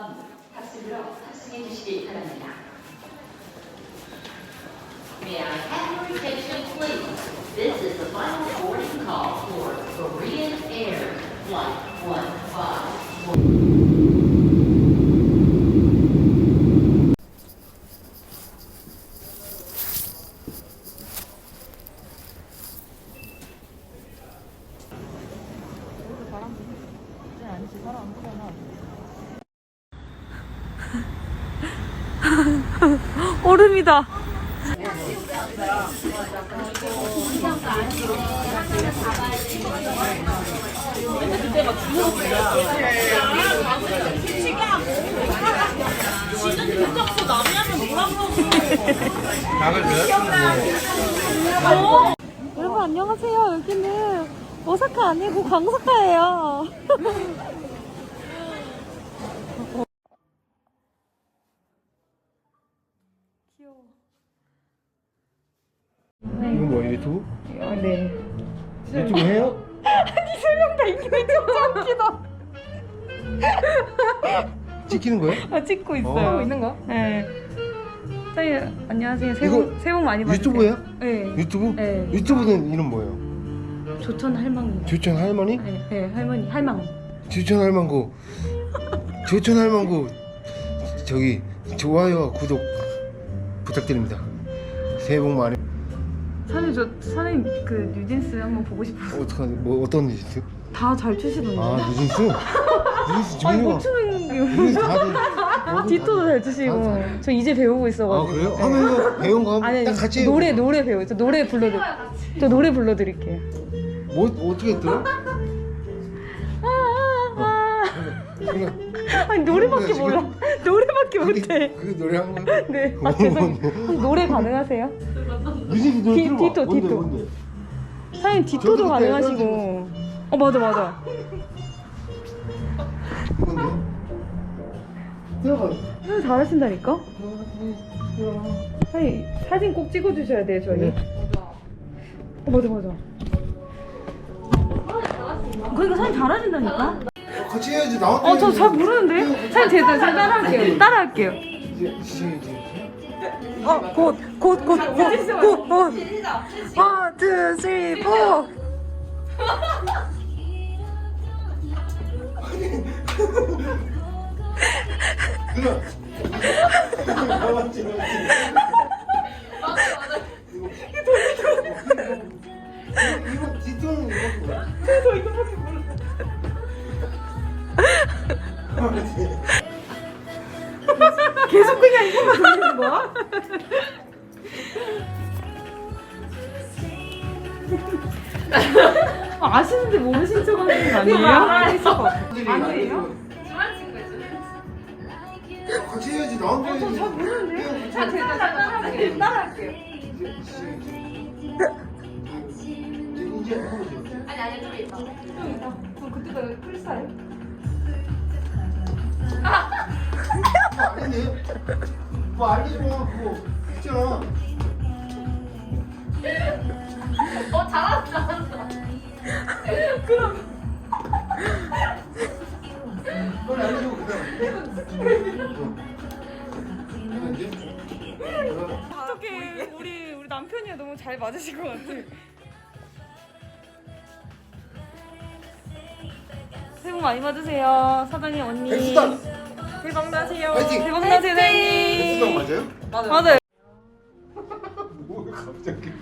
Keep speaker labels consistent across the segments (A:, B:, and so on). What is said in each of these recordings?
A: 한번 탑승으로 탑승해 주시기 바랍니다. May I have your attention, please? This is the final boarding call for Korean Air Flight 151.
B: 얼음이다. 여러분 안녕하세요. 여기는 오사카 아니고 강사카예요. 귀여워.
C: 이거 뭐예요? 유튜브?
B: 네.
C: 유튜브 해요?
B: 아니 세 명 다 있는 진짜 웃기다.
C: 찍히는 거예요?
B: 아, 찍고 있어요.
C: 있는
B: 거? 네. 사장님 안녕하세요. 새해
C: 이거
B: 복 많이 받으세요.
C: 유튜브예요?
B: 네.
C: 유튜브?
B: 네.
C: 유튜브는 이름 뭐예요?
B: 조천 할망구.
C: 조천 할머니?
B: 네, 네 할머니 할망.
C: 조천 할망구. 조천 할망구. 저기 좋아요와 구독 부탁드립니다. 새해 복 많이.
B: 사장님 그 뉴진스 한번 보고 싶어요.
C: 뭐 어떤 뉴스?
B: 다 잘 추시던데.
C: 아 뉴진스? 뉴진스
B: 아니
C: 종류가.
B: 못 추는 게.
C: 뉴진스 다들.
B: 디토도 잘 추시고. 저 이제 배우고
C: 아
B: 있어가지고.
C: 그래요?
B: 네.
C: 하면 이거 배운 거
B: 아니
C: 딱 같이.
B: 노래 배워요. 저 노래 불러드릴게요.
C: 뭐 어떻게 들어?
B: 아니 노래밖에
C: 지금-
B: 몰라. 노래밖에 못해.
C: 그게 노래 한 거야?
B: 네. 아 죄송해요. 노래 가능하세요?
C: 뉴진스 노래 들어봐.
B: 디토,
C: 뭔데,
B: 디토.
C: 뭔데?
B: 사장님 디토도
C: 저도 그때
B: 가능하시고. 맞아.
C: 이건데? 들어가.
B: 잘하신다니까? 사장님 사진 꼭 찍어주셔야 돼요 저희.
C: 네.
B: 맞아. 그러니까 사장님 잘하신다니까?
C: 같이 해야지. 나한테.
B: 저 잘 모르는데? 사장님 제가 따라할게요.
C: 이제 시작이지.
B: 곧. 1, 2, 3, 4.
C: 누나. 맞지. 이거 뒷돈은 이거.
B: 저 이거밖에 몰라. 계속 그냥 이거만 돌리는 거야? 아시는데 모르신 척 하는 거 아니에요? 아니에요?
C: 같이 해야지. 나한테.
B: 잘 모르는데? 제가 따라할게요.
C: 이제 해보세요.
D: 아니 좀 있다.
B: 그럼 그때가 크리스탈?
C: 아니네. 뭐 알려줘. 그거 있잖아.
D: 잘한다.
B: 그럼
C: 빨리 알려줘.
B: 어떻게 우리 남편이야 너무 잘 맞으실 것 같아. 새해 복 많이 받으세요 사장님 언니.
C: 백수단.
B: 대박 나세요.
C: 화이팅!
B: 대박 나세요 사장님.
C: 맞아요?
B: 맞아요.
C: 뭐 갑자기?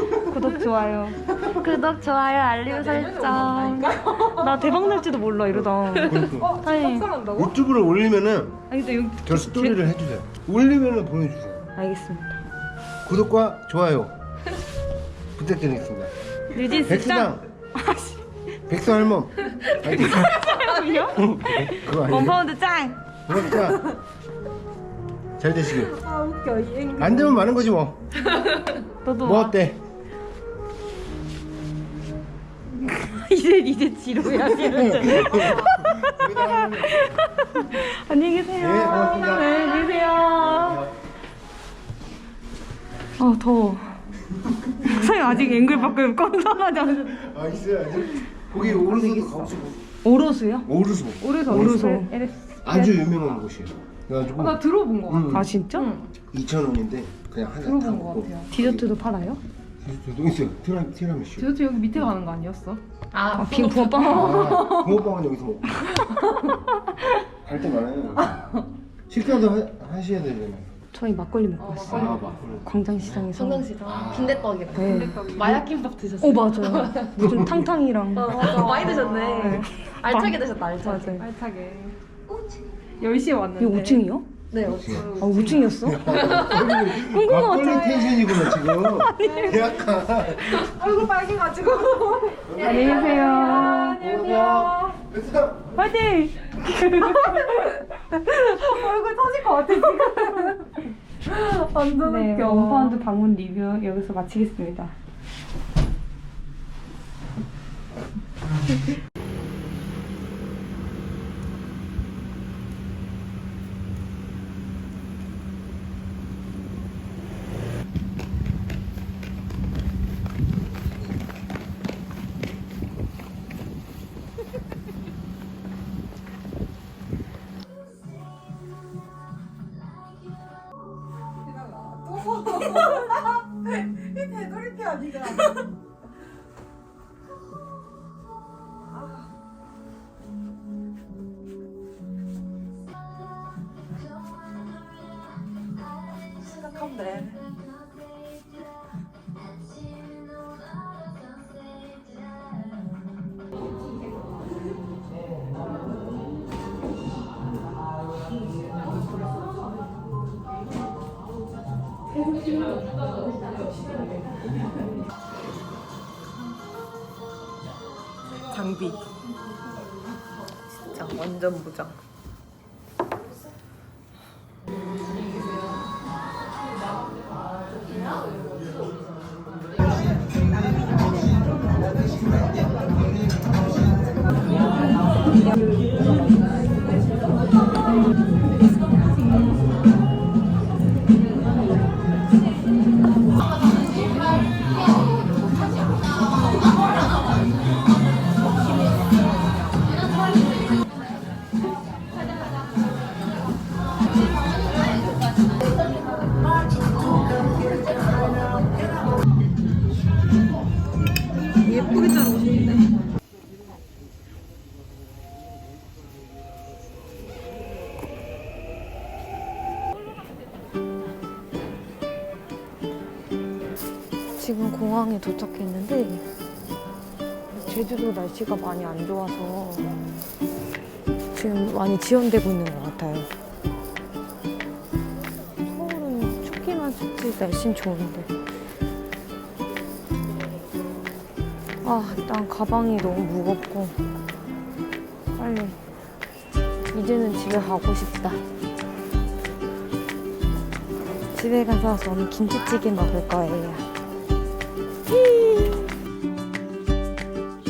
B: 구독 좋아요 알림 설정. 나 대박 날지도 몰라 이러다. 사장님.
C: 유튜브를 올리면은
B: 아니 근데 여기
C: 저 스토리를 해주세요. 올리면은 보내주세요.
B: 알겠습니다.
C: 구독과 좋아요 부탁드리겠습니다.
B: 뉴진스
C: 백수당.
B: 아씨.
C: 백수 할멈. 아니,
B: 사장님이요?
C: 그거 아니에요?
B: 원파운드 짱.
C: 그러니까 잘 되시길.
B: 아 웃겨 이 앵글.
C: 안 되면 많은 거지 뭐.
B: 너도
C: 뭐
B: 와.
C: 어때?
B: 이제 지루해 하시는데. 안녕히 계세요.
C: 네, 고맙습니다.
B: 네, 안녕히 계세요. 아 더워. 사장님 아직 앵글 밖을 건선하지 않으셨.
C: 아 있어요 아직. 거기 오른손도 가보시고.
B: 오로수요?
C: 오르소.
B: 오르소.
C: 아주 유명한 곳이에요. 그래가지고
D: 나 들어본 거 같아.
B: 아 진짜?
C: 2,000원인데 그냥 하나 다
D: 들어본 거
C: 먹고.
D: 같아요.
B: 디저트도 팔아요?
C: 디저트도 있어요. 티라미슈.
D: 디저트 여기 밑에 가는 거 아니었어?
B: 아 빈 붕어빵.
C: 붕어빵은 여기서 먹고. 갈 때 많아요. 식사도 하셔야 되잖아요.
B: 저희 막걸리 먹고 왔어요.
C: 막걸리.
B: 광장시장에서.
E: 성당시장 빈대떡이랑
B: 네.
E: 마약김밥 드셨어요?
B: 오 맞아요. 무슨 탕탕이랑.
E: 많이 드셨네.
B: 네.
E: 알차게 드셨다 알차게.
B: 맞아요.
D: 알차게. 10시에 왔는데.
B: 이거 5층이요?
E: 네.
B: 아 5층이었어?
C: 막걸리 텐션이구나 지금. 약간.
D: 얼굴 빨개가지고.
B: 안녕히 계세요.
D: 안녕하세요.
B: 화이팅!
D: 얼굴 터질 것 같아 지금. 완전
B: 네,
D: 웃겨.
B: 원파운드 방문 리뷰 여기서 마치겠습니다.
D: 되돌이표 아니야. 생각하면 돼. 장비 진짜 완전 무장. 예쁘게 자르고 싶은데.
B: 지금 공항에 도착했는데 제주도 날씨가 많이 안 좋아서 지금 많이 지연되고 있는 것 같아요. 서울은 춥기만 춥지 날씨는 좋은데. 아, 일단 가방이 너무 무겁고 빨리 이제는 집에 가고 싶다. 집에 가서 저는 김치찌개 먹을 거예요.